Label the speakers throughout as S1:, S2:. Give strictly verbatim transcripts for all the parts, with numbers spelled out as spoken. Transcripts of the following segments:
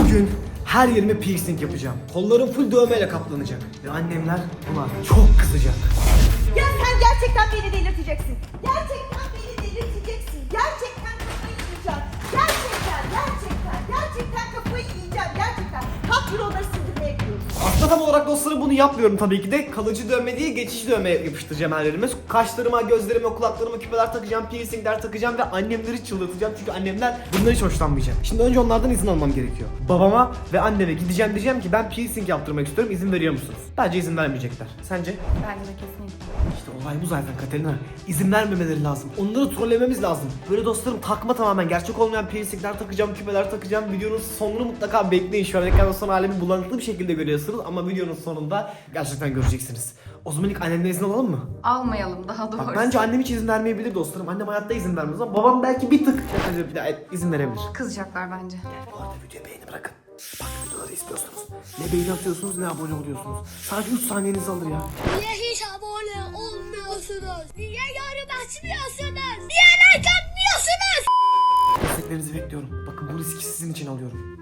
S1: Bugün her yerime piercing yapacağım. Kollarım full dövmeyle kaplanacak. Ve annemler buna çok kızacak.
S2: Ya sen gerçekten beni delirteceksin. Gerçekten beni delirteceksin. Gerçekten kafayı yiyeceğim. Gerçekten, gerçekten, gerçekten kafayı yiyeceğim. Gerçekten. Kalk euroları sindirmeye gidiyoruz.
S1: Aslında tam olarak dostlarım bunu yapmıyorum tabii ki de. Kalıcı dövme değil, geçici dövme yapıştıracağım her yerime. Kaşlarıma, gözlerime, kulaklarıma küpeler takacağım, piercingler takacağım ve annemleri çıldırtacağım. Çünkü annemler bundan hiç hoşlanmayacak. Şimdi önce onlardan izin almam gerekiyor. Babama ve anneme gideceğim, diyeceğim ki ben piercing yaptırmak istiyorum, izin veriyor musunuz? Bence izin vermeyecekler. Sence?
S2: Bence de kesinlikle.
S1: İşte olay bu zaten Katerina. İzin vermemeleri lazım. Onları trollememiz lazım. Böyle dostlarım takma tamamen gerçek olmayan piercingler takacağım, küpeler takacağım. Videonun sonunu mutlaka bekleyin. Şu an ekranda son halimi bulanıklı bir şekilde görüyorsunuz ama videonun sonunda gerçekten göreceksiniz. O zaman ilk annemden izin alalım mı?
S3: Almayalım daha doğrusu.
S1: Bak, bence annem hiç izin vermeyebilir dostlarım. Annem hayatta izin vermez ama babam belki bir tık bir daha izin verebilir.
S3: Kızacaklar bence.
S1: Bu arada videoya beğeni bırakın. Bak videoları istiyorsunuz. Ne beğeni atıyorsunuz ne abone oluyorsunuz. Sadece üç saniyenizi alır ya.
S4: Niye hiç abone olmuyorsunuz? Niye yorum açmıyorsunuz? Niye like atmıyorsunuz?
S1: Desteklerinizi bekliyorum. Bakın bu riski sizin için alıyorum.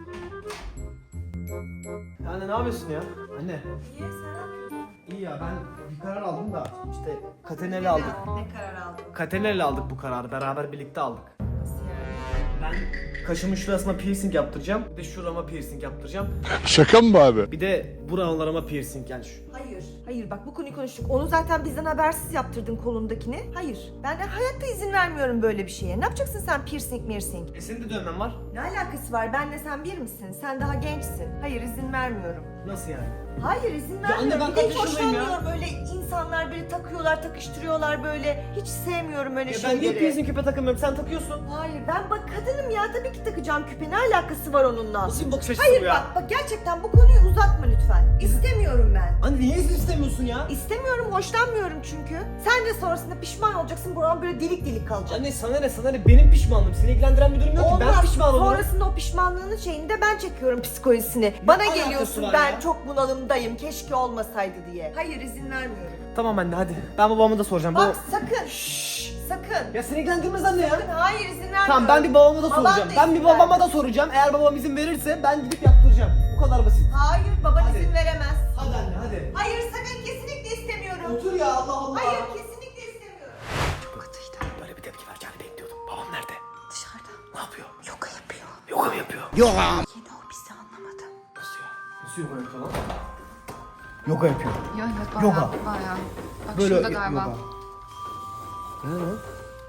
S1: Ya anne ne yapıyorsun ya? Anne.
S2: İyi, sen ne yapıyorsun?
S1: İyi ya ben bir karar aldım da işte Katenel'i aldık.
S2: Ne karar aldın?
S1: Katenel'i aldık bu kararı. Beraber birlikte aldık.
S2: Nasıl yani?
S1: Ben kaşımın şurasına piercing yaptıracağım. Bir de şurama piercing yaptıracağım.
S5: Şaka mı bu abi?
S1: Bir de buralarıma piercing yani şu.
S2: Hayır. Hayır bak bu konuyu konuştuk. Onu zaten bizden habersiz yaptırdın kolundakini. Hayır. Ben de hayatta izin vermiyorum böyle bir şeye. Ne yapacaksın sen piercing piercing?
S1: E senin de dövmen var.
S2: Ne alakası var? Benle sen bir misin? Sen daha gençsin. Hayır izin vermiyorum.
S1: Nasıl yani?
S2: Hayır izin
S1: Ya anne,
S2: vermiyorum.
S1: ben
S2: Bir de
S1: kaç
S2: hiç
S1: yaşındayım ya?
S2: hoşlanmıyorum böyle insanlar böyle takıyorlar, takıştırıyorlar böyle. Hiç sevmiyorum öyle
S1: Ya ben
S2: şeyleri.
S1: niye piercing küpe takamıyorum? Sen takıyorsun.
S2: Hayır ben bak kadınım ya tabii ki takacağım küpe. Ne alakası var onunla?
S1: Nasıl bir bakış açısı
S2: Hayır
S1: bu ya?
S2: bak bak gerçekten bu konuyu uzatma lütfen. İstemiyorum ben.
S1: Anne niye izin istemiyorsun ya?
S2: İstemiyorum, hoşlanmıyorum çünkü. Sen de sonrasında pişman olacaksın, buran böyle delik delik kalacak.
S1: Anne sana ne sana ne benim pişmanlığım. Seni ilgilendiren bir durum yok ki. Ben
S2: Olmaz.
S1: pişman olurum.
S2: Sonrasında o pişmanlığının şeyini de ben çekiyorum psikolojisini. Bana
S1: alakası
S2: geliyorsun
S1: var
S2: ben
S1: ya?
S2: çok bunalımdayım, keşke olmasaydı diye. Hayır izin vermiyorum.
S1: Tamam anne hadi. Ben babama da soracağım.
S2: Bak
S1: Baba-
S2: sakın. Şşş, sakın.
S1: Ya seni ilgilendirmez anne ya.
S2: Sakın, hayır izin vermiyorum.
S1: Tamam ben bir babama da
S2: Baban
S1: soracağım.
S2: da
S1: Ben
S2: izin
S1: bir babama
S2: vermiyor.
S1: da soracağım. Eğer babam izin verirse ben gidip yaptıracağım. Bu kadar basit.
S2: Hayır baban
S1: Hadi.
S2: izin veremez.
S1: Hadi anne hadi.
S2: Hayır sakın kesinlikle istemiyorum.
S1: Otur ya Allah Allah.
S2: Hayır kesinlikle istemiyorum.
S3: Katıydı.
S1: Böyle bir tepki vereceğini bekliyordum. Babam nerede?
S3: Dışarıda.
S1: Ne yapıyor?
S3: Yoga yapıyor.
S1: Yoga mı yapıyor?
S3: Yine o bizi anlamadı.
S1: Nasıl ya? Nasıl yoga yapıyor lan? Yoga yapıyor.
S3: Ya evet bayağı.
S1: Yoga.
S3: Bayağı. Bak
S1: Böyle
S3: şurada galiba.
S1: yoga. Ne lan?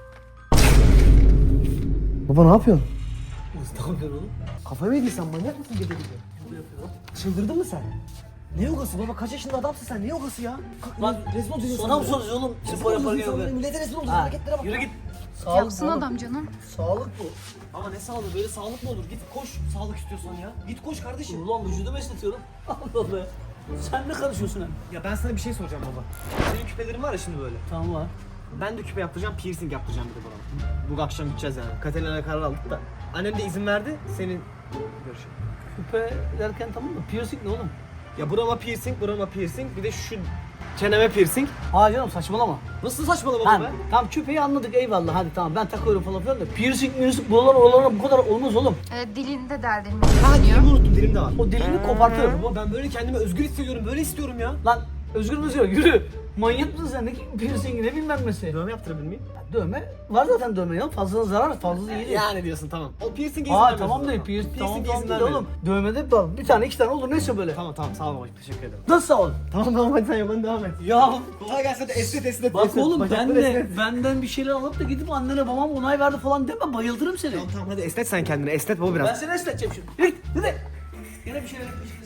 S1: Baba ne yapıyorsun? Ne yapıyorsun oğlum? Kafayı mı yedin sen, manyak mısın gece gece? Çıldırdın mı sen? Ne yogası baba, kaç yaşında adamsın sen, ne yogası ya? Kalk lan rezil olacaksın.
S6: Sana mı soruyorsun oğlum? Spor yaparken yoga.
S1: Millete rezil olacaksın,
S6: Ha,
S1: hareketlere bak.
S6: yürü
S1: ya.
S6: git.
S3: Yapsın adam canım.
S1: Sağlık bu. Ama ne sağlığı, böyle sağlık mı olur? Git koş sağlık istiyorsan ya. Git koş kardeşim.
S6: Ulan vücudumu esnetiyorum. Allah Allah. Sen ne karışıyorsun hem?
S1: Ya ben sana bir şey soracağım baba. Senin küpelerin var ya şimdi böyle.
S6: Tamam var.
S1: Ben de küpe yaptıracağım, piercing yaptıracağım bir de bana. Bu akşam gideceğiz yani. Katalina'ya karar aldık da. Annem de izin verdi, senin görüşün.
S6: Küpe derken tamam da piercing ne oğlum?
S1: Ya burama piercing, burama piercing, bir de şu çeneme piercing.
S6: Ha canım saçmalama.
S1: Nasıl saçmalama
S6: Ha,
S1: be?
S6: tamam küpeyi anladık eyvallah hadi tamam ben takıyorum falan filan da piercing piercing buralar oralara bu kadar olmaz oğlum.
S3: Ee, dilinde deldirmeyi
S1: Ha
S3: düşünüyor.
S1: dilimi unuttum, dilim de var.
S6: O dilini kopartıyorum.
S1: Baba ben böyle kendimi özgür hissediyorum, böyle istiyorum ya.
S6: Lan özgür müsün yürü. Manyak mısın sen ne ki piercing ne bilmem nesi.
S1: Dövme yaptırabilir miyim?
S6: Dövme var zaten dövme ya fazla zarar fazla iyi değil.
S1: Yani diyorsun tamam. O piercing'e izin
S6: Aa
S1: vermiyorsun
S6: tamam
S1: o
S6: değil
S1: zaman.
S6: piercing tamam
S1: Piercing'e
S6: tamam
S1: izin
S6: değil
S1: vermiyorum.
S6: oğlum. Dövmede bak bir tane iki tane olur neyse böyle.
S1: Tamam tamam sağ ol babacığım, teşekkür ederim.
S6: Nasıl sağ ol?
S1: Tamam tamam hadi sen yalan devam et.
S6: Ya
S1: Kolay gelsin, hadi esnet esnet.
S6: bak
S1: esnet.
S6: oğlum ben
S1: Bacakları
S6: de
S1: esnet.
S6: benden bir şeyler alıp da gidip annene babam onay verdi falan deme bayıldırım seni.
S1: Tamam tamam hadi esnet sen kendini, esnet baba
S6: Ben
S1: biraz.
S6: seni esneteceğim şimdi. Yürü git hadi. Yine bir şeyler yapmışsın.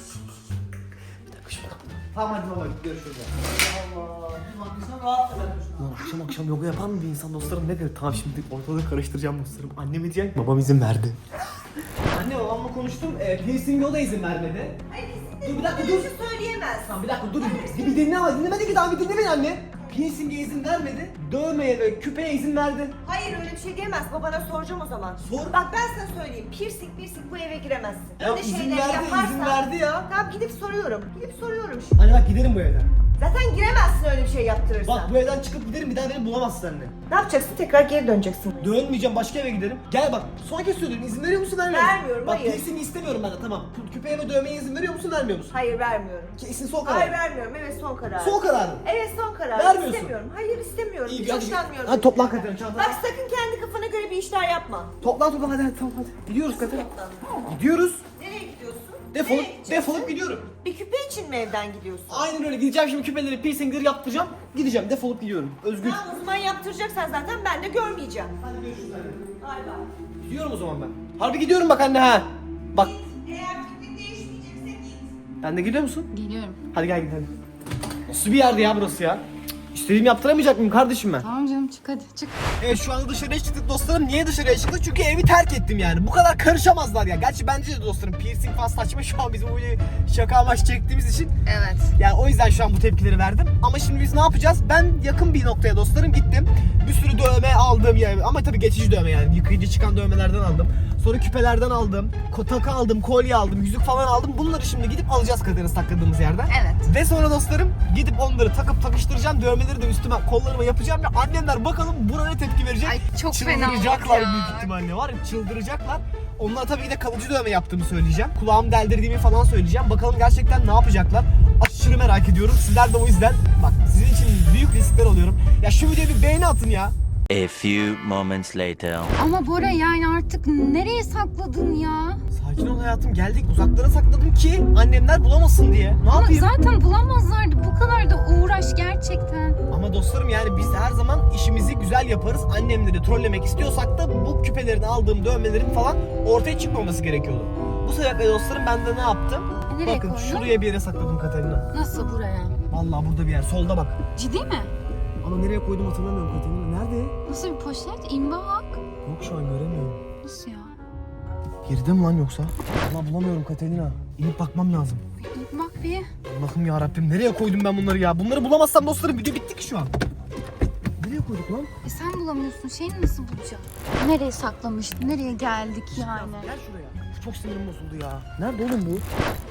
S1: Tamam hadi baba görüşürüz.
S6: Allah. Bak insan rahat eder.
S1: Lan akşam akşam yoga yapar mı bir insan dostlarım, ne der? Tamam şimdi ortalığı karıştıracağım dostlarım. Anneme diyecek, babam izin verdi. Anne babamla konuştum, e, piercing'e o da izin vermedi.
S2: Hayır izin
S1: Dur bir dakika
S2: böyle
S1: dur.
S2: bir şey söyleyemez.
S1: Tamam bir dakika dur, bir, bir dinle ama dinlemedi ki daha, bir dinle beni anne. Piercing'e izin vermedi, dövmeye ve küpeye izin verdi.
S2: Hayır öyle bir şey diyemez. Babana soracağım o zaman.
S1: Sor.
S2: Bak ben sana söyleyeyim. Piercing piercing bu eve giremezsin.
S1: Ya
S2: Öyle
S1: izin
S2: şeyler
S1: verdi,
S2: yaparsan.
S1: izin verdi ya.
S2: Tamam gidip soruyorum. Gidip soruyorum şimdi.
S1: Anne bak giderim bu evden.
S2: Zaten giremezsin öyle bir şey yaptırırsan.
S1: Bak bu evden çıkıp giderim, bir daha beni bulamazsın anne.
S2: Ne yapacaksın? Tekrar geri döneceksin.
S1: Dönmeyeceğim, başka eve giderim. Gel bak, son kez söylüyorum, izin veriyor musun vermiyor musun?
S2: Vermiyorum,
S1: bak,
S2: hayır.
S1: Kesin istemiyorum ben de, tamam. Küpeye ve dövmeye izin veriyor musun vermiyor musun?
S2: Hayır vermiyorum.
S1: Kesin son karar.
S2: Hayır vermiyorum. Evet son karar.
S1: Son kararın.
S2: Evet son karar.
S1: Vermiyorsun.
S2: İstemiyorum. Hayır istemiyorum.
S1: İyi,
S2: Hiç
S1: hadi-
S2: hoşlanmıyorum.
S1: hadi toplan Katerina, çantanı.
S2: Bak sakın kendi kafana göre bir işler yapma.
S1: Toplan toplan, hadi hadi tamam hadi. Gidiyoruz Katerina. Gidiyoruz.
S2: Nereye gidiyorsun?
S1: Defolup,
S2: Nereye gideceksin?
S1: defolup gidiyorum.
S2: Bir küpe için mi evden gidiyorsun?
S1: Aynen öyle, gideceğim şimdi küpeleri, piercingleri yaptıracağım. Gideceğim, defolup gidiyorum. Özgür.
S2: Tamam o zaman yaptıracaksan zaten ben de görmeyeceğim.
S1: Hadi görüşürüz anne.
S2: Bay bay.
S1: Gidiyorum o zaman ben. Harbi gidiyorum bak anne ha. Bak,
S2: Eğer fikrin değişmeyecekse git.
S1: ben de gidiyor musun?
S3: Geliyorum.
S1: Hadi gel gidelim. Nasıl bir yerdi ya burası ya? Cık, İstediğimi yaptıramayacak mıyım kardeşim ben?
S3: Tamam canım çık hadi çık.
S1: Evet şu anda dışarıya çıktık dostlarım. Niye dışarıya çıktık? Çünkü evi terk ettim yani. Bu kadar karışamazlar ya. Gerçi bence de dostlarım piercing falan saçma, şu an bizim bu videoyu şaka amaç çektiğimiz için.
S3: Evet.
S1: Yani o yüzden şu an bu tepkileri verdim. Ama şimdi biz ne yapacağız? Ben yakın bir noktaya dostlarım gittim. Bir sürü dövme aldım yani. Ama tabii geçici dövme yani. Yıkayıcı çıkan dövmelerden aldım. Sonra küpelerden aldım. Takı aldım, kolye aldım, yüzük falan aldım. Bunları şimdi gidip alacağız Kaderina sakladığımız yerden.
S3: Evet.
S1: Ve sonra dostlarım gidip onları takıp takıştıracağım. Dövmeleri de üstüme, kollarıma yapacağım. Ve annemler bakalım buna ne tepki verecek.
S3: Ay, çok fena
S1: Çıldıracaklar
S3: oldu ya.
S1: büyük ihtimalle, var ya, çıldıracaklar. Onlara tabii ki de kalıcı dövme yaptığımı söyleyeceğim. Kulağımı deldirdiğimi falan söyleyeceğim. Bakalım gerçekten ne yapacaklar. Aşırı merak ediyorum. Sizler de o yüzden bak sizin için büyük riskler alıyorum. Ya şu videoya bir beğeni atın ya.
S5: A few moments later.
S3: Ama Bora yani artık nereye sakladın ya?
S1: Sakin ol hayatım, geldik. Uzaklara sakladım ki annemler bulamasın diye. Ne
S3: Ama
S1: yapayım?
S3: zaten bulamazlardı. Bu kadar da uğraş gerçekten.
S1: Ama dostlarım yani biz her zaman işimizi güzel yaparız. Annemleri trollemek istiyorsak da bu küpelerini aldığım dövmelerin falan ortaya çıkmaması gerekiyordu. Bu sebeple dostlarım ben de ne yaptım?
S3: E, nereye
S1: Bakın
S3: koydun?
S1: şuraya bir yere sakladım Katerina.
S3: Nasıl buraya?
S1: Vallahi burada bir yer. Solda bak.
S3: Ciddi mi?
S1: Ama nereye koydum hatırlamıyorum Katerina. Nerede?
S3: Nasıl bir poşet? İn bak.
S1: Yok şu an göremiyorum.
S3: Nasıl ya?
S1: Geride mi lan yoksa? Vallahi bulamıyorum Katerina. İnip bakmam lazım.
S3: İn bak bir.
S1: Allah'ım ya Rabbim, nereye koydum ben bunları ya? Bunları bulamazsam dostlarım video bitti ki şu an. Nereye koyduk lan?
S3: E sen bulamıyorsun. Şeyini nasıl bulacaksın? Nereye saklamıştın? Nereye geldik yani?
S1: Gel şuraya. Çok sinirim bozuldu ya. Nerede oğlum bu?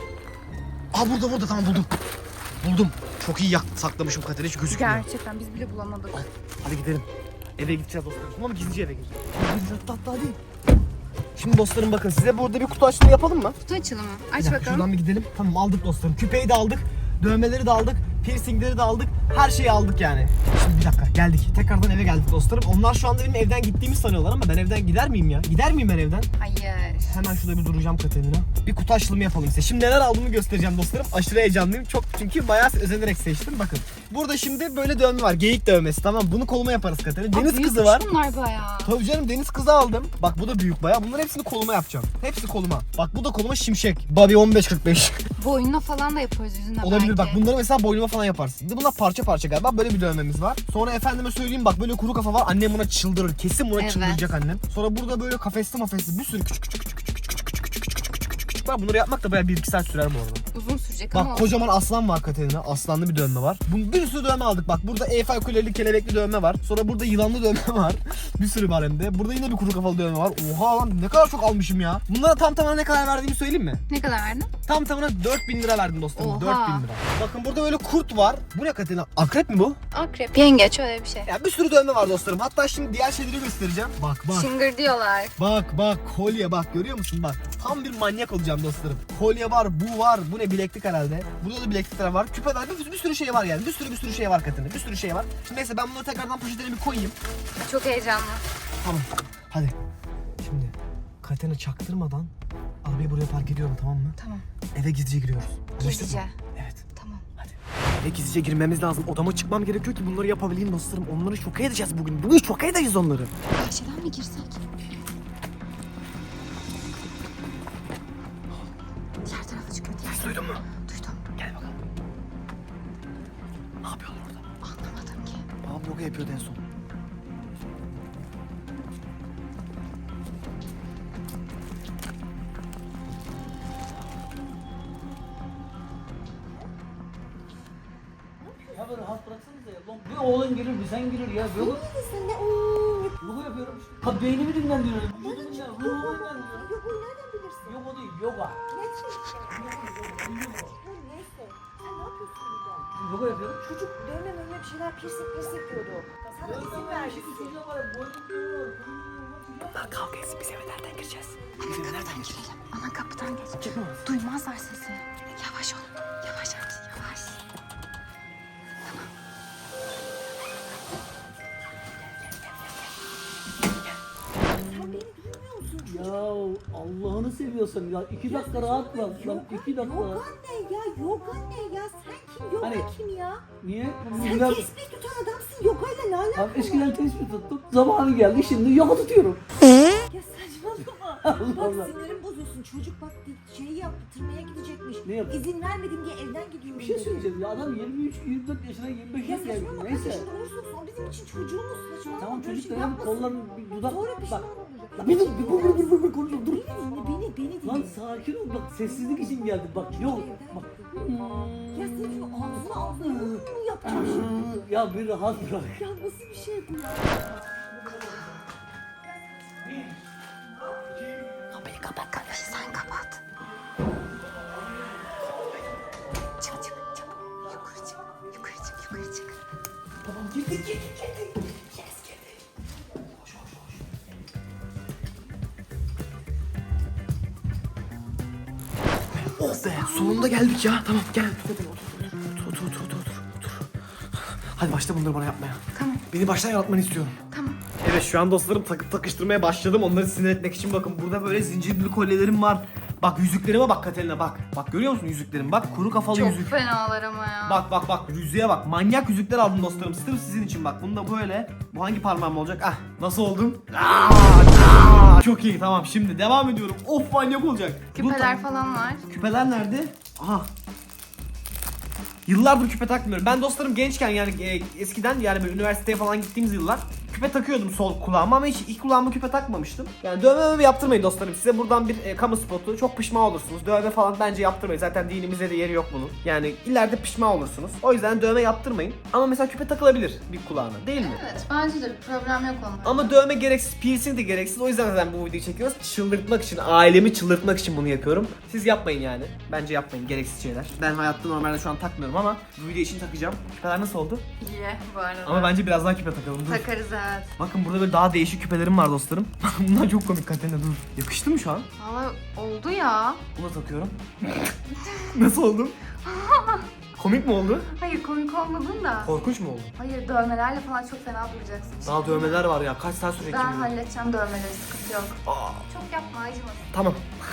S1: Aa burada burada, tamam buldum. Buldum. Çok iyi yak saklamışım Katerina, hiç gözükmüyor.
S3: Gerçekten biz bile bulamadık.
S1: Hadi gidelim. Eve gideceğiz dostlarım. Ama gizlice eve gireceğiz. Hadi hatta hatta hadi. Şimdi dostlarım bakın, size burada bir kutu açılımı yapalım mı?
S3: Kutu açılımı.
S1: Bir
S3: Aç
S1: dakika,
S3: bakalım.
S1: şuradan bir gidelim. Tamam aldık dostlarım. Küpeyi de aldık. Dövmeleri de aldık. Piercingleri de aldık. Her şeyi aldık yani. Şimdi bir dakika geldik. Tekrardan eve geldik dostlarım. Onlar şu anda benim evden gittiğimi sanıyorlar ama ben evden gider miyim ya? Gider miyim ben evden?
S3: Hayır.
S1: Hemen şurada bir duracağım Katerina. Bir kutu açılımı yapalım size. Şimdi neler aldığımı göstereceğim dostlarım. Aşırı heyecanlıyım. Çok çünkü bayağı özenerek seçtim. Bakın. Burada şimdi böyle dövme var. Geyik dövmesi, tamam. Bunu koluma yaparız Katerina. Deniz
S3: Aa,
S1: kızı var.
S3: büyükmüş bunlar bayağı.
S1: Tabii canım, deniz kızı aldım. Bak bu da büyük bayağı. Bunların hepsini koluma yapacağım. Hepsi koluma. Bak bu da koluma şimşek. Bobby on beş kırk beş.
S3: Boynuna falan da yaparız yüzüne
S1: Olabilir,
S3: belki.
S1: bak bunları mesela boynuma falan yaparsın. Bir de bunlar parça parça galiba, böyle bir dövmemiz var. Sonra efendime söyleyeyim bak böyle kuru kafa var. Annem buna çıldırır. Kesin buna
S3: Evet.
S1: çıldıracak annem. Sonra burada böyle kafesli mafesli bir sürü küçük küçük küçük küçük küçük küçük küçük küçük küçük küçük küçük var. Bunları yapmak da bayağı bir iki saat sürer bu arada.
S3: Uzun sürecek ama.
S1: Bak kocaman aslan var Katerina. Aslanlı bir dövme var. Bu bir sürü dövme aldık. Bak burada Eyfel Kuleli kelebekli dövme var. Sonra burada yılanlı dövme var. Bir sürü var hem de. Burada yine bir kuru kafalı dövme var. Oha lan, ne kadar çok almışım ya. Bunlara tam tamına ne kadar verdiğimi söyleyeyim mi?
S3: Ne kadar verdin?
S1: Tam tamına dört bin lira verdim dostum.
S3: Oha.
S1: dört bin lira. Bakın burada böyle kurt var. Bu ne Katerina? Akrep mi bu?
S3: Akrep. Yengeç öyle bir şey.
S1: Ya bir sürü dövme var dostlarım. Hatta şimdi diğer şeyleri göstereceğim. Bak bak.
S3: Şıngır diyorlar.
S1: Bak bak kolye bak, görüyor musun bak. Tam bir manyak olacağım dostlarım. Kolye var, bu var. Bu ne, bileklik herhalde. Burada da bileklikler var. Küpeler, bir, bir sürü şey var yani. Bir sürü bir sürü şey var Katerina. Bir sürü şey var. Şimdi neyse ben bunları tekrardan poşetine bir koyayım.
S3: Çok heyecanlı.
S1: Tamam. Hadi. Şimdi Katerina çaktırmadan arabayı buraya park ediyorum, tamam mı?
S3: Tamam.
S1: Eve gizlice giriyoruz. Anlaştık
S3: Gizlice.
S1: mı? Evet.
S3: Tamam.
S1: Eve gizlice girmemiz lazım. Odama çıkmam gerekiyor ki bunları yapabileyim dostlarım. Onları şoka edeceğiz bugün. Bugün şoka edeceğiz onları.
S3: Bahçeden mi girsek? Diğer tarafa çıkıyor. Diğer
S1: Duydun mu?
S3: Duydum.
S1: Gel bakalım. Ne yapıyorlar orada?
S3: Anlamadım ki.
S1: Babam yoga yapıyordu en son.
S6: Ya böyle rahat bıraksanıza ya. Lan bir oğlun gelir bir sen gelir ya. Böyle
S2: Sen ne ooo?
S6: yoga yapıyorum işte. Ha beynimi dinlendiriyorum. Vücudumu dinlendiriyorum. Ruhumu dinlendiriyorum.
S2: Yok nereden bilirsin?
S6: Yoga değil yoga.
S2: Ne Neyse. Sen ne yapıyorsun burada?
S6: Yoga yapıyorum.
S2: Çocuk dövme mövme bir şeyler piercing piercing diyordu. Sana izin vermişsin.
S1: Bunlar kavga etsin, biz eve nereden gireceğiz? Biz eve nereden gireceğiz?
S3: Ana kapıdan geç.
S1: Çıkmaz.
S3: Duymazlar sesini. Yavaş ol. Yavaş yavaş yavaş.
S2: Sen beni duymuyor musun?
S6: Ya Allah'ını seviyorsan ya iki dakika rahat bırak lan iki dakika.
S2: Yoga ne ya? Yoga ne ya? Sen kim? Yoga
S6: Hani-
S2: kim ya?
S6: Niye?
S2: Sen
S6: Güzel-
S2: tespih tutan adamsın. Yogayla ne alaka?
S6: Abi eskiden tespih tuttum. Zamanı geldi şimdi yoga tutuyorum.
S2: Ya saçmalama.
S6: Allah
S2: Bak
S6: Allah.
S2: sinirim bozuyorsun. Çocuk bak şeyi yaptı. Tırmaya gidecekmiş.
S6: Ne yaptı?
S2: İzin vermedim diye evden gidiyorum
S6: Bir şey
S2: dedi.
S6: söyleyeceğim ya adam yirmi üç yirmi dört yaşına yirmi beş
S2: Ya
S6: yaşına geldi.
S2: saçmalama. Kaç
S6: Neyse.
S2: yaşında olursa olsun o bizim için çocuğumuz. Saçmalama.
S6: Tamam
S2: Böyle
S6: çocuk
S2: şey
S6: da yani
S2: yapmasın.
S6: kolların bir dudak
S2: Sonra
S6: bak.
S2: pişman olacak.
S6: Lan bir dur bir dur bir dur bir konuşalım dur.
S2: Beni dinle beni beni dinle.
S6: Lan sakin ol bak sessizlik için geldik bak yok bak.
S2: Ya sen şunu ağzına ağzına mı yapacağım şimdi?
S6: Ya bir rahat bırak.
S2: Ya nasıl bir şey bu ya?
S3: Kapıyı kapat kapıyı sen kapat. Çık çık çık. Yukarı çık. Yukarı çık yukarı çık.
S1: Tamam girdik girdik girdik. Yes girdik. Hoş hoş hoş. Oh be sonunda geldik ya. Tamam gel. Otur otur otur otur otur. otur. Hadi başla bunları bana yapmaya.
S3: Tamam.
S1: Beni baştan yaratmanı istiyorum.
S3: Tamam.
S1: Evet şu an dostlarım takıp takıştırmaya başladım. Onları sinir etmek için bakın burada böyle zincirli kolyelerim var. Bak yüzüklerime bak Katerina bak. Bak görüyor musun yüzüklerim? Bak kuru kafalı
S3: Çok
S1: yüzük.
S3: fenalar ama ya.
S1: Bak bak bak yüzüğe bak. Manyak yüzükler aldım dostlarım. Sırf sizin için bak. Bunu da böyle. Bu hangi parmağım olacak? Ah nasıl oldum? Aa, aa. Çok iyi tamam şimdi devam ediyorum. Of manyak olacak. Bu
S3: Küpeler
S1: ta-
S3: falan var.
S1: Küpeler nerede? Aha. Yıllardır küpe takmıyorum. Ben dostlarım gençken yani e, eskiden yani böyle üniversiteye falan gittiğimiz yıllar küpe takıyordum sol kulağıma ama hiç ilk kulağıma küpe takmamıştım. Yani dövme mövme yaptırmayın dostlarım. Size buradan bir e, kamu spotu. Çok pişman olursunuz. Dövme falan bence yaptırmayın. Zaten dinimizde de yeri yok bunun. Yani ileride pişman olursunuz. O yüzden dövme yaptırmayın. Ama mesela küpe takılabilir bir kulağına değil mi?
S3: Evet bence de bir problem yok onda.
S1: Ama dövme gereksiz, piercing de gereksiz. O yüzden zaten bu videoyu çekiyoruz. Çıldırtmak için, ailemi çıldırtmak için bunu yapıyorum. Siz yapmayın yani. Bence yapmayın gereksiz şeyler. Ben hayatta normalde şu an takmıyorum ama bu video için takacağım. Küpeler nasıl oldu?
S3: İyi bu arada.
S1: Ama bence biraz daha küpe takalım. Dur.
S3: Takarız evet.
S1: Bakın burada böyle daha değişik küpelerim var dostlarım. Bunlar çok komik Katerina dur. Yakıştı mı şu an?
S3: Valla oldu ya.
S1: Bunu da takıyorum. Nasıl oldum? Komik mi oldu?
S3: Hayır komik olmadın da.
S1: Korkunç mu oldu?
S3: Hayır dövmelerle falan çok fena duracaksın.
S1: Daha dövmeler var ya. Kaç saat sürecek
S3: Ben
S1: kim bilir?
S3: halledeceğim dövmeleri sıkıntı yok.
S1: Aa,
S3: Çok yapma acımasın.
S1: tamam.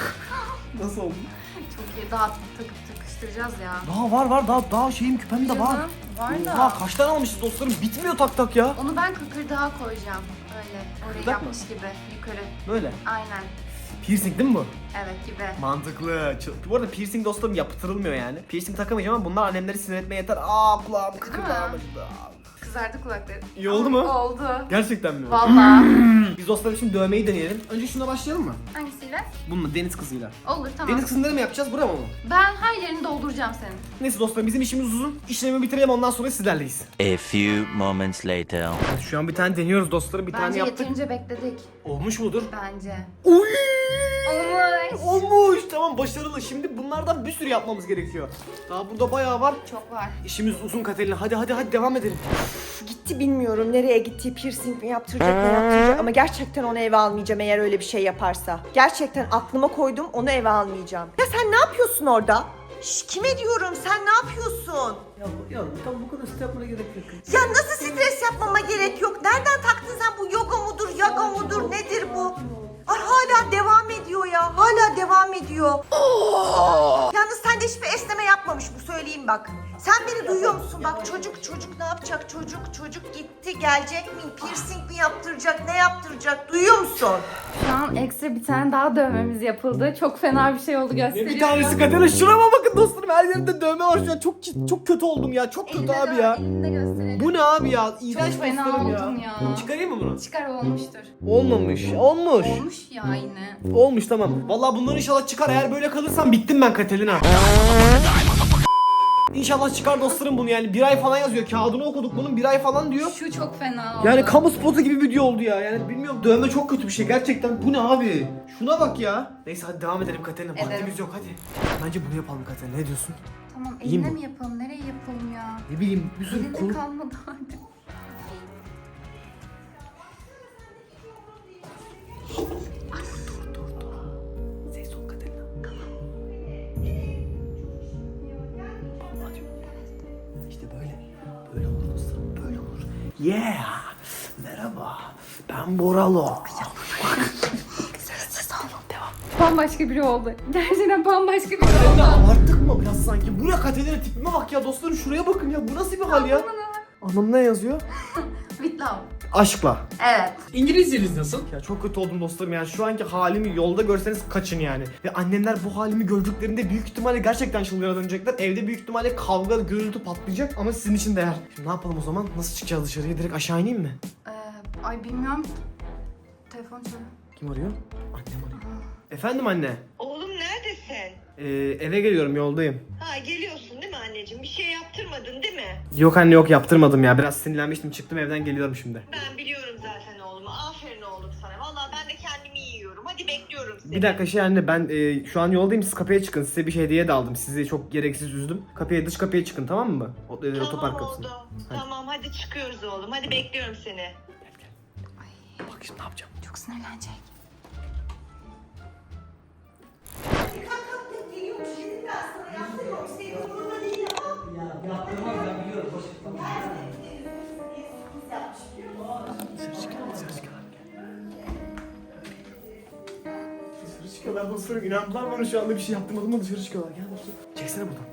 S1: Nasıl oldu?
S3: Çok iyi daha takıp takıştıracağız ya.
S1: Daha var var daha daha şeyim küpem de var.
S3: Canım, var da.
S1: Oha kaç tane almışız dostlarım? Bitmiyor tak tak ya.
S3: Onu ben kıkırdağa koyacağım. Öyle. Orayı
S1: Kıkırdak mı?
S3: yapmış gibi. Yukarı.
S1: Böyle.
S3: Aynen.
S1: Piercing değil mi bu?
S3: Evet gibi.
S1: Mantıklı. Ç- Bu arada piercing dostlarım yaptırılmıyor yani. Piercing takamayacağım ama bunlar annemleri sinir etmeye yeter. Aa kulağım kıkırdağım
S3: mi?
S1: acıdı.
S3: Kızardı kulakları.
S1: İyi oldu mu?
S3: Oldu.
S1: Gerçekten mi?
S3: Valla.
S1: Biz dostlarım şimdi dövmeyi deneyelim. Önce şuna başlayalım mı?
S3: Hangisiyle?
S1: Bununla deniz kızıyla.
S3: Olur tamam.
S1: Deniz kızını mı yapacağız buraya mı?
S3: Ben her yerini dolduracağım senin.
S1: Neyse dostlarım bizim işimiz uzun. İşlemi bitirelim ondan sonra sizlerleyiz.
S5: A few moments later.
S1: Şu an bir tane deniyoruz dostlarım. Bir tane
S3: Bence
S1: yaptık.
S3: yeterince bekledik.
S1: Olmuş mudur?
S3: Bence.
S1: Oy!
S3: Olmuş.
S1: Olmuş. Tamam başarılı. Şimdi bunlardan bir sürü yapmamız gerekiyor. Daha burada bayağı var.
S3: Çok var.
S1: İşimiz uzun Katerina. Hadi hadi hadi devam edelim.
S2: Gitti bilmiyorum nereye gitti, piercing mi yaptıracak ne yaptıracak ama gerçekten onu eve almayacağım eğer öyle bir şey yaparsa. Gerçekten aklıma koydum onu eve almayacağım. Ya sen ne yapıyorsun orada? Şş, kime diyorum sen ne yapıyorsun?
S6: Ya yavrum tam bu kadar step yapmana gerek yok.
S2: Ya nasıl stres yapmama gerek yok? Nereden taktın sen bu yoga mudur, yaga mudur nedir bu? Ay hala devam ediyor ya. Hala devam ediyor. Yalnız sende hiçbir esneme yapmamış bu söyleyeyim bak. Sen beni duyuyor musun? Bak çocuk çocuk ne yapacak? Çocuk çocuk gitti gelecek mi? Piercing mi yaptıracak? Ne yaptıracak? Duyuyor musun?
S3: Şu an ekstra bir tane daha dövmemiz yapıldı. Çok fena bir şey oldu gösteriyorum.
S1: Bir tanesi Katerina şurama bakın dostlarım. Her yerimde dövme var şu an. Çok çok kötü oldum ya. Çok kötü
S3: Elinde
S1: abi
S3: de-
S1: ya.
S3: Elinde gösterelim.
S1: Bu ne abi ya? İğrenç
S3: Çok fena
S1: dostlarım
S3: oldun ya.
S1: Çıkarayım mı bunu?
S3: Çıkar olmuştur.
S1: Olmamış. Olmuş.
S3: Olmuş ya yine.
S1: Olmuş tamam. Vallahi bunlar inşallah çıkar. Eğer böyle kalırsam bittim ben Katerina. İnşallah çıkar dostlarım bunu yani. Bir ay falan yazıyor. Kağıdını okuduk bunun, bir ay falan diyor.
S3: Şu çok fena oldu.
S1: Yani kamu spotu gibi video oldu ya. Yani bilmiyorum, dövme çok kötü bir şey gerçekten. Bu ne abi? Şuna bak ya. Neyse hadi devam edelim Katerina.
S3: Edelim.
S1: Vaktimiz yok hadi. Bence bunu yapalım Katerina. Ne diyorsun?
S3: Tamam,
S1: İyi
S3: eline
S1: mi?
S3: mi yapalım? Nereye yapalım ya?
S1: Ne bileyim bir sürü
S3: Elinde
S1: konu.
S3: kalmadı artık.
S1: Ses ol Katerina. İşte böyle. Böyle olur dostlarım. Böyle olur. Yeah. Merhaba. Ben Boralo. Sessiz ol. Devam.
S3: Bambaşka biri oldu. Gerçekten bambaşka biri
S1: Katerina
S3: oldu.
S1: abarttık mı biraz sanki? Bu ne Katerina, tipime bak ya dostlarım, şuraya bakın ya. Bu nasıl bir hal ya? Anlamı ne yazıyor?
S3: With love.
S1: Aşkla.
S3: Evet.
S6: İngilizceniz nasıl?
S1: Ya çok kötü oldum dostlarım yani, şu anki halimi yolda görseniz kaçın yani. Ve annemler bu halimi gördüklerinde büyük ihtimalle gerçekten çılgına dönecekler. Evde büyük ihtimalle kavga, gürültü patlayacak ama sizin için değer. Şimdi ne yapalım o zaman? Nasıl çıkacağız dışarıya? Direkt aşağı ineyim mi?
S3: Ee, ay bilmiyorum. Telefon çalıyor.
S1: Kim arıyor? Annem arıyor. Efendim anne.
S7: Oğlum neredesin?
S1: Ee, eve geliyorum, yoldayım.
S7: Ha geliyorsun değil mi anneciğim? Bir şey yaptırmadın değil mi?
S1: Yok anne, yok yaptırmadım ya. Biraz sinirlenmiştim, çıktım evden, geliyorum şimdi.
S7: Ben biliyorum zaten oğlumu. Aferin oğlum sana. Vallahi ben de kendimi yiyorum. Hadi bekliyorum seni.
S1: Bir dakika şey anne, ben e, şu an yoldayım, siz kapıya çıkın. Size bir şey hediye de aldım. Sizi çok gereksiz üzdüm. Kapıya, dış kapıya çıkın, tamam mı? O, e,
S7: Tamam
S1: otopark kapısına.
S7: oldu. Tamam hadi çıkıyoruz oğlum. Hadi bekliyorum seni.
S1: Bak şimdi ne yapacağım?
S3: Çok sinirlenecek.
S2: Kalk kalk kalk, geliyormuş dedim ben sana, yaptırmamış. Senin umurunda değil ama.
S6: Ya yaptırmam ben biliyorum. Boş ver.
S2: Sürpriz yapmış biliyor musun?
S1: Dışarı çıkıyorlar, dışarı çıkıyorlar. Dışarı çıkıyorlar dostlarım. İnandılar bana, şu anda bir şey yaptırmadım ama dışarı çıkıyorlar. Gel dostlarım. Çeksene buradan.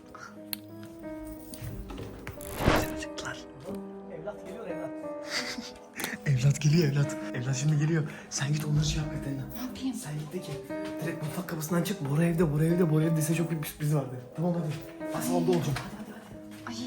S1: Dışarı çıktılar.
S6: Evlat geliyor evlat.
S1: Evlat geliyor evlat. Evlat şimdi geliyor. Sen git onları şey yap Katerina.
S3: Ne yapayım?
S1: Sen git de ki direkt mutfak kapısından çık. Bora evde, Bora evde, Bora evde. Size çok büyük bir sürpriz vardı. Tamam hadi. Ben salonda olacağım. Hadi hadi hadi.
S3: Ay.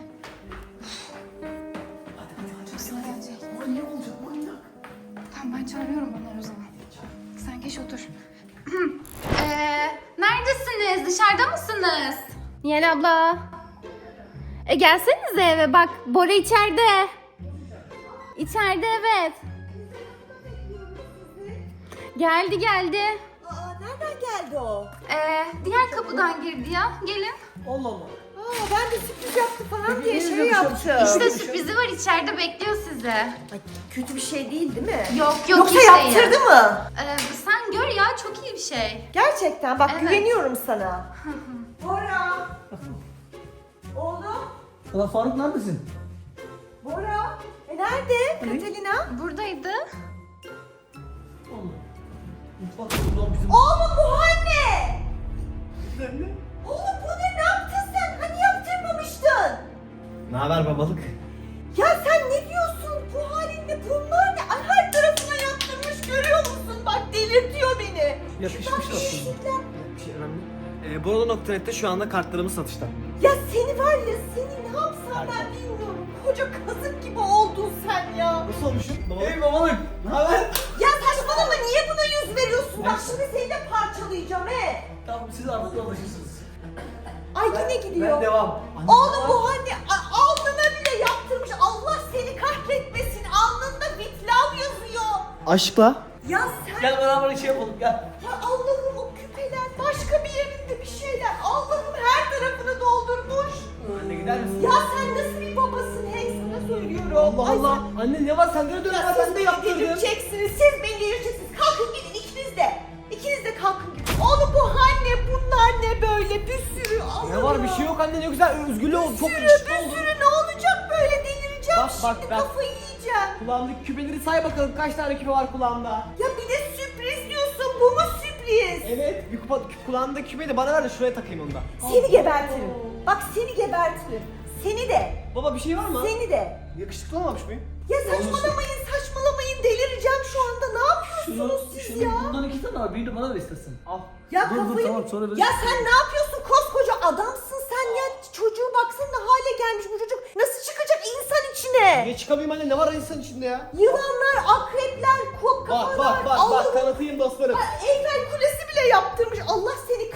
S1: Hadi hadi hadi.
S3: Çok sinirlenecek.
S1: Manyak olacak, manyak.
S3: Tamam, ben çağırıyorum onları o zaman. Sen geç otur. Eee, neredesiniz? Dışarıda mısınız?
S8: Nihal abla. E gelsenize eve bak. Bora içeride. İçeride evet. Geldi geldi.
S2: Aa, nereden geldi o?
S3: Eee, diğer kapıdan girdi ya. Gelin.
S6: Allah Allah.
S2: Aa, ben de sürpriz yaptı falan diye
S6: Peki,
S2: şey
S6: ne yapacağım?
S2: yaptım.
S3: İşte sürprizi var, içeride bekliyor sizi.
S2: Ay, kötü bir şey değil değil mi?
S3: Yok yok,
S2: Yoksa
S3: hiç değil.
S2: yaptırdı mı?
S3: Eee, sen gör ya, çok iyi bir şey.
S2: Gerçekten bak,
S3: Evet.
S2: güveniyorum sana. Bora. Oğlum.
S6: Ulan Faruk neredesin?
S2: Bora. E nerede Katalina?
S3: Buradaydı.
S6: Oğlum. Mutfak buradan bizim...
S2: Oğlum bu hal ne? Oğlum bu ne? Ne yaptın sen? Hani yaptırmamıştın?
S1: Ne haber babalık?
S2: Ya sen ne diyorsun? Bu halinde bunlar ne? Ay, her tarafına yaptırmış, görüyor musun? Bak delirtiyor beni.
S6: Yakışmış
S2: Bak,
S6: aslında.
S2: şişler.
S1: Bir şey önemli. Ee, Borolo nokta net'te şu anda kartlarımız satışta.
S2: Ya seni var ya, seni ne yapsam ben bilmiyorum. Koca kazık gibi oldun sen ya.
S1: Nasıl olmuşum? Babalık.
S6: Hey babalık. Ne haber?
S2: Ya saçmalama, niye buna yüz veriyorsun? Bak şimdi seni de parçalayacağım he.
S6: Tamam siz artık alışırsınız.
S2: Ay yine gidiyor.
S6: Ben devam. Anne,
S2: Oğlum bu anne a- alnına bile yaptırmış. Allah seni kahretmesin. Alnında vitlav yazıyor.
S1: Aşkla.
S2: Ya sen...
S6: Gel beraber şey yapalım gel.
S2: Ya Allah'ım, o küpeler, başka bir yerinde bir şeyler. Allah'ım her tarafını doldurmuş.
S6: Anne gider misin?
S2: Ya sen nasıl bir babasın hey, sana söylüyorum.
S1: Allah
S2: Ay,
S1: Allah. Anne ne var, sende de
S2: sen-
S1: dövme
S2: Ya
S1: var,
S2: siz
S1: ben de
S2: beni
S1: yaptırdım.
S2: delirteceksiniz, siz beni delirteceksiniz. Kalkın gidin ikiniz de. İkiniz de kalkın gidin. Oğlum bu hal ne, bunlar ne böyle, bir sürü.
S1: Ne var, bir şey yok anne, ne güzel özgürlüğü oldu. Çok
S2: Bir sürü,
S1: yakışıklı
S2: bir
S1: oldu.
S2: sürü ne olacak böyle, delireceğim
S1: Bak, bak,
S2: şimdi,
S1: bak.
S2: kafayı yiyeceğim.
S1: Kulağımdaki küpeleri say bakalım, kaç tane küpe var kulağımda.
S2: Ya bir de sürpriz diyorsun, bu mu sürpriz?
S1: Evet, bir kupa, kulağımdaki küpeyi de bana ver de şuraya takayım onu da.
S2: Seni gebertirim. Bak seni gebertirim. Seni de.
S1: Baba bir şey var mı?
S2: Seni de.
S1: Yakışıklı olmamış mıyım?
S2: Ya saçmalamayın, saçmalamayın. Delireceğim şu anda. Ne yapıyorsunuz
S6: Şunu,
S2: siz
S6: şunu
S2: ya?
S6: bundan iki tane var. Birini bana ver istersen. Al.
S2: Ya
S6: dur, dur,
S2: kafayı...
S6: tamam, sonra verirsin.
S2: ya sen ne yapıyorsun? Koskoca adamsın sen ya. Çocuğu baksana ne hale gelmiş bu çocuk. Nasıl çıkacak insan içine?
S1: Niye çıkamayayım anne, ne var insan içinde ya?
S2: Yılanlar, akrepler, kok
S1: Bak
S2: kafalar.
S1: bak bak bak,
S2: Allah'ım.
S1: tanıtayım dostlarım.
S2: Eyfel Kulesi bile yaptırmış. Allah seni kahretmesin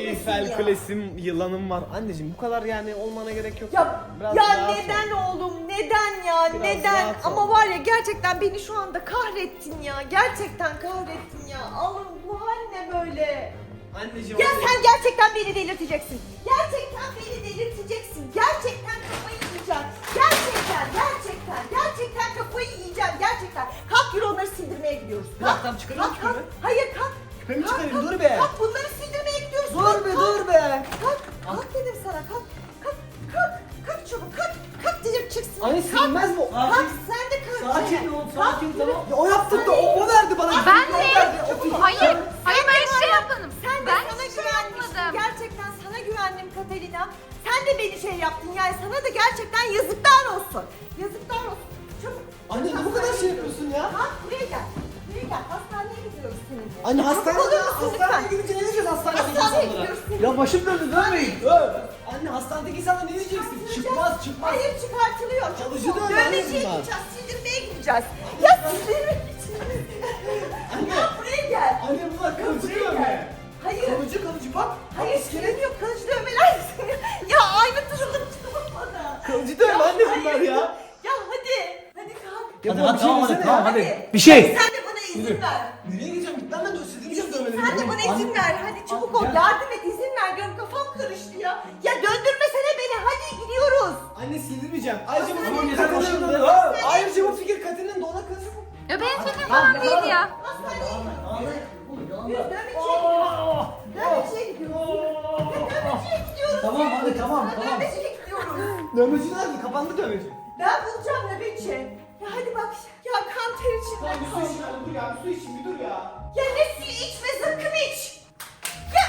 S1: Eyfel
S2: ya?
S1: Kulesi'm, yılanım var. Anneciğim bu kadar yani olmana gerek yok.
S2: Ya,
S1: Biraz
S2: ya
S1: rahat ol.
S2: neden oğlum? Neden ya?
S1: Biraz
S2: neden?
S1: rahat ol.
S2: Ama var ya gerçekten beni şu anda kahrettin ya. Gerçekten kahrettin ya. Alın bu hal ne böyle?
S1: Anneciğim.
S2: Ya
S1: anneciğim.
S2: sen gerçekten beni delirteceksin. Gerçekten beni delirteceksin. Gerçekten kafayı yiyeceğim. Gerçekten, gerçekten, gerçekten kafayı yiyeceğim. Gerçekten. Kalk yürü onları sildirmeye gidiyoruz.
S1: Bir dakika, tamam, çıkarayım
S2: kalk,
S1: küpemi.
S2: kalk. Hayır kalk.
S1: Küpemi
S2: Kalk,
S1: çıkarayım,
S2: kalk,
S1: dur be.
S2: Kalk bunları sildirmeye gidiyoruz.
S1: Dur
S2: Kalk,
S1: be
S2: kalk.
S1: dur be.
S2: Kalk, kalk dedim sana. Kalk, kalk, kalk. Kalk çabuk, kalk. Kalk dedim çıksın.
S1: Anne
S2: Kalk.
S1: silmez mi?
S2: Kalk sen de kalk.
S6: Sakin ol, sakin,
S2: Kalk,
S6: tamam.
S1: Ya o yaptı da o, o verdi bana.
S3: Ben
S1: O
S3: mi?
S1: verdi, o-
S3: Hayır. Hayır ben hiç şey yapmadım.
S2: Sen de
S3: Ben
S2: sana
S3: hiç şey
S2: güvenmiştim.
S3: yapmadım.
S2: Gerçekten sana güvendim Katerina. Sen de beni şey yaptın yani sana da gerçekten yazıklar olsun. Yazıklar olsun. Çabuk.
S1: Anne ne bu kadar şey yapıyorsun ya?
S2: Kalk buraya gel. Buraya gel. Hastaneye gidiyoruz seninle.
S1: Anne
S2: Çabuk
S1: hastaneye,
S2: olur musun
S1: hastaneye
S2: lütfen?
S1: gidince ne diyeceğiz hastaneye
S2: Hastaneye
S1: insanlara?
S2: gidiyoruz seninle.
S6: Ya başım döndü dönmeyin.
S1: Anne hastanedeki insanlara ne diyeceksin? Çıkmaz çıkmaz.
S2: Hayır çıkartılıyor.
S1: Kalıcı
S2: Çabuk ol.
S1: dövme
S2: Dövmeciye
S1: bunlar.
S2: gideceğiz. Sildirmeye gideceğiz. Ya sildirmeye gideceğiz. Ya buraya gel.
S1: Anne bunlar kalıcı
S2: Buraya
S1: dövme.
S2: gel. Hayır.
S1: Kalıcı kalıcı bak.
S2: Hayır senin yok kalıcı dövmeler. Ya aynı durumda çıkamadı.
S1: Kalıcı dövme anne bunlar ya.
S2: Ya hadi. Hadi kalk.
S1: Ya
S6: Hadi,
S1: baba,
S6: hadi,
S1: bir şey
S6: tamam, hadi,
S1: desene
S6: tamam,
S1: ya.
S6: hadi. Bir şey.
S2: Sen de bana izin ver.
S1: Nereye gideceğim? Git lan ben de sildireceğim dövmeleri.
S2: Sen de bana izin ver. Hadi çabuk ol.
S6: Gel.
S2: Yardım et. izin ver diyorum. Kafam karıştı ya. Ya döndürmesene beni. Hadi gidiyoruz.
S1: Anne sildirmeyeceğim. Ayrıca bu
S2: Hastaneye
S1: fikir
S6: gidelim.
S1: Katerina'nın
S6: Başım
S1: da.
S6: dönüyor.
S1: Ayrıca bu fikir Katerina'nın da ona kız.
S3: Ya benim fikrim falan değil ya.
S2: Hastaneye gidiyoruz.
S6: Tamam,
S2: Yürü dövmeciye gidiyoruz. Dövmeciye gidiyoruz. Ya dövmeciye gidiyoruz.
S6: Tamam, hadi, tamam,
S2: Sana
S6: tamam.
S2: Dövmeciye gidiyoruz.
S1: Dövmeci nerede? Kapandı dövmeci.
S2: Ben bulacağım nöbetçi. Ya hadi bak. Ya kan ter içinde
S1: Lan bir su
S2: kaldı.
S1: için dur ya. Bir su için bir dur ya.
S2: Ya ne suyu içme zıkkım iç. Ya.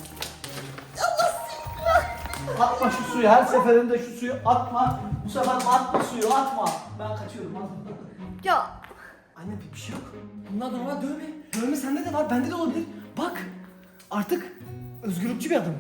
S2: Allah seni kahretsin.
S6: Atma şu suyu, her seferinde şu suyu atma. Bu sefer atma suyu, atma. Ben kaçıyorum. Hadi.
S2: Ya.
S1: Anne bir, bir şey yok. Bunlar normal dövme. Dövme sende de var, bende de olabilir. Bak. Artık özgürlükçü bir adamım.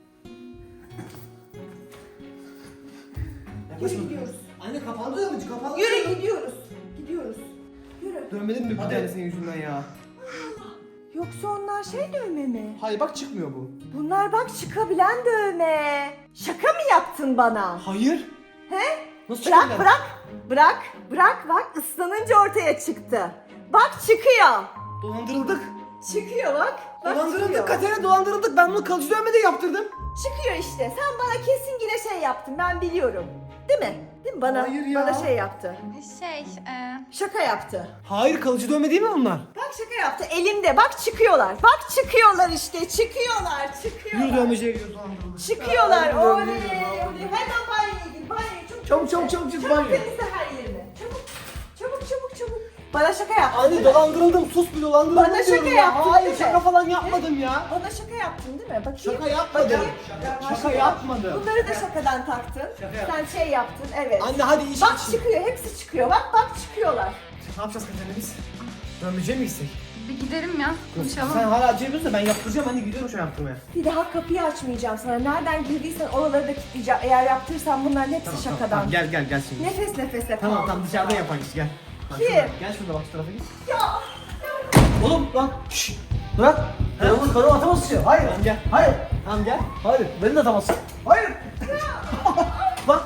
S2: Yürü gidiyoruz.
S1: Anne kapandı dövmeci, kapandı.
S2: Yürü gidiyoruz. Gidiyoruz. Yürü.
S1: Dövmelerin mi bir tane senin yüzünden ya?
S2: Yoksa onlar şey dövme mi?
S1: Hayır bak çıkmıyor bu.
S2: Bunlar bak çıkabilen dövme. Şaka mı yaptın bana?
S1: Hayır.
S2: He?
S1: Nasıl
S2: Bırak
S1: çıkıyor?
S2: bırak. Bırak. Bırak bak ıslanınca ortaya çıktı. Bak çıkıyor.
S1: Dolandırıldık.
S2: Çıkıyor bak. Bak çıkıyor.
S1: Dolandırıldık Katerina, dolandırıldık. Ben bunu kalıcı dövme de yaptırdım.
S2: Çıkıyor işte. Sen bana kesin yine şey yaptın. Ben biliyorum. Değil mi? Değil mi? Bana,
S1: Hayır ya.
S2: bana şey yaptı.
S3: Şey, e,
S2: Şaka yaptı.
S1: Hayır kalıcı dövme değil mi onlar?
S2: Bak şaka yaptı. Elimde. Bak çıkıyorlar. Bak çıkıyorlar işte. Çıkıyorlar. Çıkıyorlar.
S1: Yürü dövmeciye gidiyoruz dolandırıldık.
S2: Çıkıyorlar.
S1: Yürü,
S2: Oley.
S1: yürü, yürü.
S2: Oley. Hemen banyoya gir. Banyoya çabuk.
S1: Çabuk, çabuk, çabuk, çabuk,
S2: Çabuk
S1: banyo.
S2: temizle her yerimi. Çabuk. Çabuk çabuk çabuk. Bana şaka yaptın.
S1: Anne dolandırıldım, sus bir dolandırıldım
S2: Bana şaka
S1: diyorum ya.
S2: yaptın,
S1: Hayır
S2: değil mi?
S1: şaka falan yapmadım ya.
S2: Bana şaka yaptın değil mi? Bakayım.
S1: Şaka yapmadım.
S2: Bakayım.
S1: Şaka, şaka yapmadım.
S2: Bunları da şakadan taktın. Sen şey yaptın evet.
S1: Anne hadi iş
S2: Bak
S1: için.
S2: çıkıyor. Hepsi çıkıyor. Bak bak çıkıyorlar.
S1: Ne yapacağız Katerina biz? Dövmeciye mi gitsek?
S3: bir giderim ya. Konuşalım.
S1: Sen hala acıyabiliyorsun da ben yaptıracağım, anne gidiyorum şu an yaptırmaya.
S2: Bir daha kapıyı açmayacağım sana. Nereden girdiysen oraları da kilitleyeceğim. Eğer yaptırırsan bunların hepsi şakadan.
S1: Tamam, gel gel gel şimdi.
S2: Nefes nefese kal.
S1: Tamam tamam dışarıda yapan iş gel. Bak
S2: Kim?
S1: şurada, Gel şurada bak şu tarafa git.
S2: Ya.
S6: Oğlum lan. Şşş. Bırak. Karımı karımı atamazsın ya. Hayır.
S1: Tamam, gel.
S6: Hayır.
S1: Tamam gel.
S6: Hayır. Beni de atamazsın. Hayır.
S1: Bak.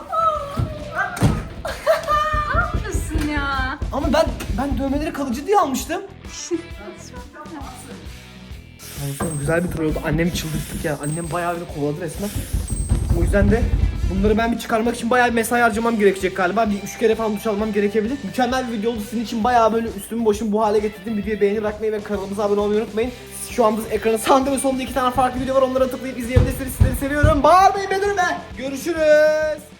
S3: Ne yapıyorsun ya?
S1: Ama ben ben dövmeleri kalıcı diye almıştım. Olsun, güzel bir tur oldu. Annemi çıldırttık ya. Annem bayağı beni kovaladı resmen. O yüzden de bunları ben bir çıkarmak için bayağı bir mesai harcamam gerekecek galiba. Bir üç kere falan duş almam gerekebilir. Mükemmel bir video oldu. Sizin için bayağı böyle üstümü başımı bu hale getirdim. Videoyu beğeni bırakmayı ve kanalımıza abone olmayı unutmayın. Şu anda ekranın sağında ve solunda iki tane farklı video var. Onlara tıklayıp izleyebilirsiniz. Sizleri seviyorum. Bağırmayın be durun be. Görüşürüz.